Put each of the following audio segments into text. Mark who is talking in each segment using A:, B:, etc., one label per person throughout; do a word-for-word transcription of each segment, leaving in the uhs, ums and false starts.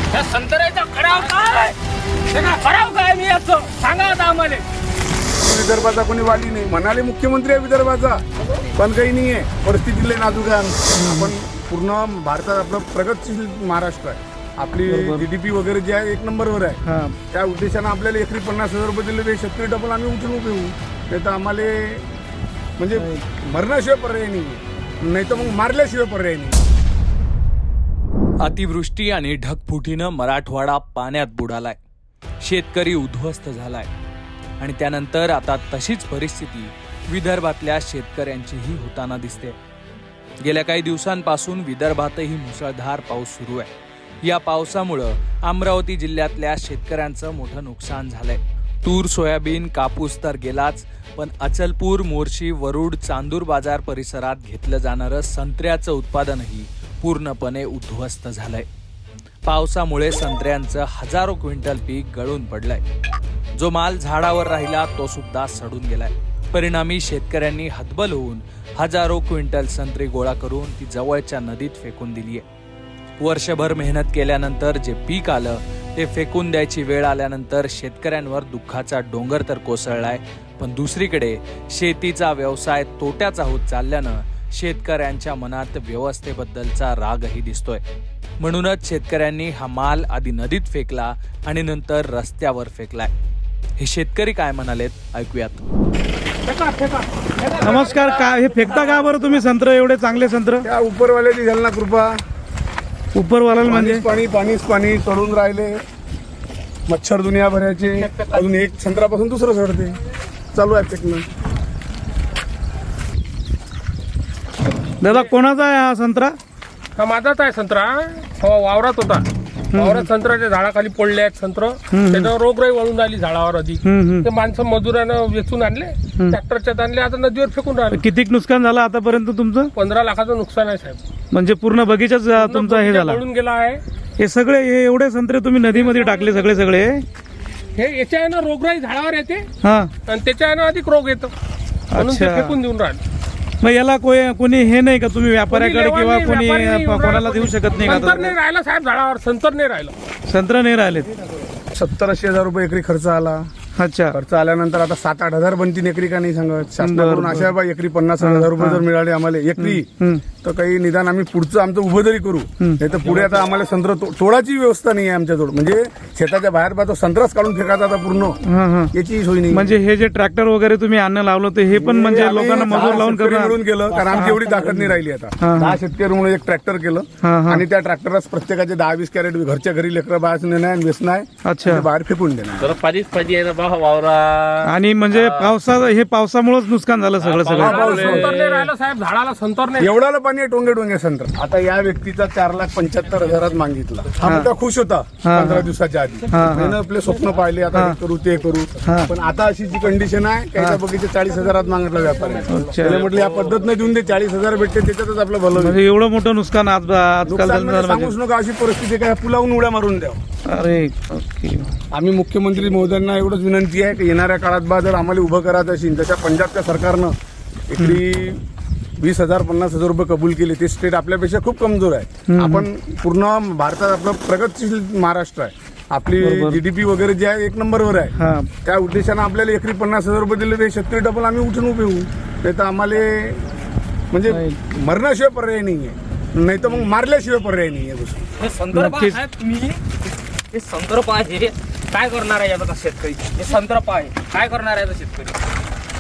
A: त्या संत्र्याचा खराव काय खराव काय मी असं सांगा आता आम्हाला.
B: विदर्भाचा कोणी वाली नाही म्हणाले मुख्यमंत्री आहे विदर्भाचा, पण काही नाही आहे. परिस्थितीले नाजूक आहे. आपण पूर्ण भारतात आपलं प्रगतशील महाराष्ट्र आहे. आपली जीडीपी वगैरे जे आहे एक नंबरवर आहे. त्या उद्देशानं आपल्याला एकरी पन्नास हजार रुपये दिले ते शेतकरी डबल आम्ही उठून उभे होऊ. नाही तर आम्हाला म्हणजे मरण्याशिवाय पर्याय नाही, नाही तर मग मारल्याशिवाय पर्याय नाही.
C: अतिवृष्टी आणि ढगफुटीनं मराठवाडा पाण्यात बुडालाय, शेतकरी उद्ध्वस्त झालाय आणि त्यानंतर आता तशीच परिस्थिती विदर्भातल्या शेतकऱ्यांचीही होताना दिसते. गेल्या काही दिवसांपासून विदर्भातही मुसळधार पाऊस सुरू आहे. या पावसामुळं अमरावती जिल्ह्यातल्या शेतकऱ्यांचं मोठं नुकसान झालंय. तूर, सोयाबीन, कापूस तर गेलाच, पण अचलपूर, मोर्शी, वरुड, चांदूर बाजार परिसरात घेतलं जाणारं संत्र्याचं उत्पादनही पूर्णपणे उद्ध्वस्त झालंय. पावसामुळे संत्र्यांचं हजारो क्विंटल पीक गळून पडलंय. जो माल झाडावर राहिला तो सुद्धा सडून गेलाय. परिणामी शेतकऱ्यांनी हतबल होऊन हजारो क्विंटल संत्री गोळा करून ती जवळच्या नदीत फेकून दिलीय. वर्षभर मेहनत केल्यानंतर जे पीक आलं ते फेकून द्यायची वेळ आल्यानंतर शेतकऱ्यांवर दुःखाचा डोंगर तर कोसळलाय, पण दुसरीकडे शेतीचा व्यवसाय तोट्याचा होत चालल्यानं शेतकऱ्यांच्या मनात व्यवस्थेबद्दलचा रागही दिसतोय. म्हणूनच शेतकऱ्यांनी हा माल आधी नदीत फेकला आणि नंतर रस्त्यावर फेकलाय. हे शेतकरी काय म्हणालेत ऐकूयात.
D: नमस्कार. काय हे फेकता का बरं तुम्ही संत्र, एवढे चांगले संत्र?
B: त्या उपरवाल्याची झाली ना कृपा.
D: उपरवाला म्हणजे
B: पाणी पाणीच पाणी चढून राहिले, मच्छर दुनिया भरायचे. अजून एक संत्रापासून दुसरं चढते, चालू आहे फेकणं.
D: दादा कोणाचा आहे हा संत्रा?
A: हा माझाच आहे संत्रा. हो वावरात होता. वावरात संत्र्याच्या झाडाखाली पडले आहेत संत्र. त्याच्यावर रोगराई वळून राहिली झाडावर. अधिक ते माणसं मजुरानं वेचून आणले, ट्रॅक्टरच्यात आणले, आता नदीवर फेकून राहिले.
D: किती नुकसान झालं आतापर्यंत तुमचं?
A: पंधरा लाखाचं नुकसान आहे साहेब.
D: म्हणजे पूर्ण बगीचाच तुमचा हे झाला?
A: पळून गेला आहे.
D: हे सगळे हे एवढे संत्रे तुम्ही नदीमध्ये टाकले सगळे सगळे?
A: हे याच्या आहे ना रोगराई झाडावर येते
D: हा,
A: आणि त्याच्या आहे ना अधिक रोग येतो, म्हणून ते
D: अच्छा.
A: फेकून देऊन राहिले.
D: मग याला कोणी कोणी हे नाही का, तुम्ही व्यापाऱ्याकडे
A: कोणी
D: किंवा
A: लेवा
D: कोणी
A: नाही, व्यापारी नाही,
D: कोणाला देऊ शकत नाही
A: संतर नाही
D: का?
A: राहिला साहेब झाडावर, संतर नाही राहिलं.
D: संत्र नाही राहिले.
B: सत्तर ऐंशी हजार रुपये एकरी खर्च आला.
D: अच्छा.
B: खर्च आल्यानंतर आता सात आठ हजार बनतील एकरी का नाही सांगत. शासनाकडून अशा बा एकरी पन्नास हजार रुपये जर मिळाले आम्हाला एकरी, तर काही निदान आम्ही पुढचं आमचं उभं तरी करू. नाही तर पुढे आता आम्हाला संत्र तोडाची व्यवस्था नाही आहे आमच्याजवळ. म्हणजे शेताच्या बाहेर बा तो संत्राच काढून फेकायचा आता पूर्ण, याची सोय नाही.
D: म्हणजे हे जे ट्रॅक्टर वगैरे तुम्ही आणणं लावलं ते हे पण म्हणजे
B: आम्ही
D: लोकांना
B: दहा
D: मजूर लावून
B: शेतकरी
D: करणार?
B: मिळून केलं, कारण आमची एवढी ताकद नाही राहिली आता. दहा शेतकरी म्हणून एक ट्रॅक्टर केलं आणि त्या ट्रॅक्टरलाच प्रत्येकाचे दहा वीस कॅरेट घरच्या घरी लेकरं बाहेर नेणार आणि वेचणं आहे.
D: अच्छा.
B: बाहेर फेकून देणार.
A: पाणीच पाणी आहे ना वावरा.
D: आणि म्हणजे पावसा हे पावसामुळेच नुकसान झालं सगळं सगळं?
A: संतर नाही राहिलं साहेब झाडाला, संतर नाही.
B: एवढाला पाणी आहे, टोंगे टोंगे संत्र. आता या व्यक्तीचा चार लाख पंच्याहत्तर हजारात मागितला. हा मुद्दा खुश होता पंधरा दिवसाच्या आधी. त्यानं आपले स्वप्न पाहिले, आता हे करू ते करू. पण आता अशी जी कंडिशन आहे, काही बगीचे चाळीस हजारात मागितलं व्यापाऱ्याने. त्याला म्हटलं या पद्धत देऊन दे, चाळीस हजार भेटते त्याच्यातच आपलं भलं होईल.
D: म्हणजे एवढं मोठं नुकसान आज आजकाल
B: नुकसान
D: झालं
B: म्हणजे
D: म्हणजे?
B: सांगूच नका अशी परिस्थिती काय, पुलावून उड्या मारून द्या.
D: अरे ओके.
B: आम्ही मुख्यमंत्री महोदयांना एवढंच विनंती आहे की येणाऱ्या काळात बा जर आम्हाला उभं करायचं असेल, तशा पंजाबच्या सरकारनं एकरी वीस हजार पन्नास हजार रुपये कबूल केले. ते स्टेट आपल्यापेक्षा खूप कमजोर आहे. आपण पूर्ण भारतात आपलं प्रगतशील महाराष्ट्र आहे. आपली जीडीपी वगैरे जे आहे एक नंबरवर आहे. त्या उद्देशानं आपल्याला एकरी पन्नास हजार रुपये दिले ते शेतकरी डबल आम्ही उठून उभे होऊ. नाही तर आम्हाला म्हणजे मरण्याशिवाय पर्याय नाही आहे, नाही तर मग मारल्याशिवाय पर्याय नाही आहे.
A: हे संदर्भ आहे तुम्ही, हे संदर्भ आहे. काय करणार आहे याचा शेतकरी? हे संदर्भ आहे, काय करणार आहे याचा शेतकरी?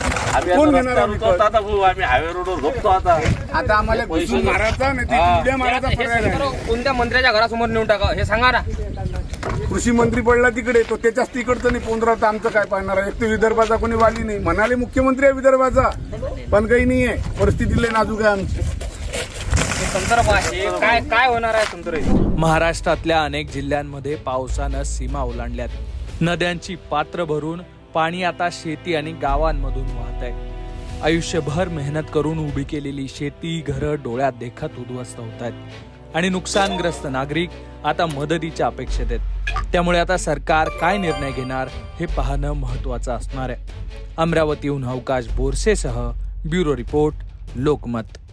B: कोण घेणार आहे विकत?
A: आता भाऊ आम्ही हायवे रोडवर झोपतो. आता
B: आता आम्हाला घुसून मारायचा नाही तर उड्या मारायचा पर्याय नाही.
A: कोणत्या मंत्र्याच्या घरासमोर नेऊन टाका हे सांगा ना.
B: कृषी मंत्री पडला तिकडे, तो त्याच्याच तिकडचं नाही पोंद्रा, तर आमचं काय पाहणार आहे. एक तर विदर्भाचा कोणी वाली नाही म्हणाले मुख्यमंत्री आहे विदर्भाचा, पण काही नाही आहे. परिस्थितीले नाजूक आहे आमची.
A: संदर्भ आहे, काय काय होणार आहे संदर्भ?
C: महाराष्ट्रातल्या अनेक जिल्ह्यांमध्ये पावसानं सीमा ओलांडल्यात. नद्यांची पात्र भरून पाणी आता शेती आणि गावांमधून वाहत आहे. आयुष्यभर मेहनत करून उभी केलेली शेती, घरं डोळ्यात देखत उद्ध्वस्त होत आहेत आणि नुकसानग्रस्त नागरिक आता मदतीच्या अपेक्षेत आहेत. त्यामुळे आता सरकार काय निर्णय घेणार हे पाहणं महत्वाचं असणार आहे. अमरावतीहून अवकाश बोरसेसह ब्युरो रिपोर्ट, लोकमत.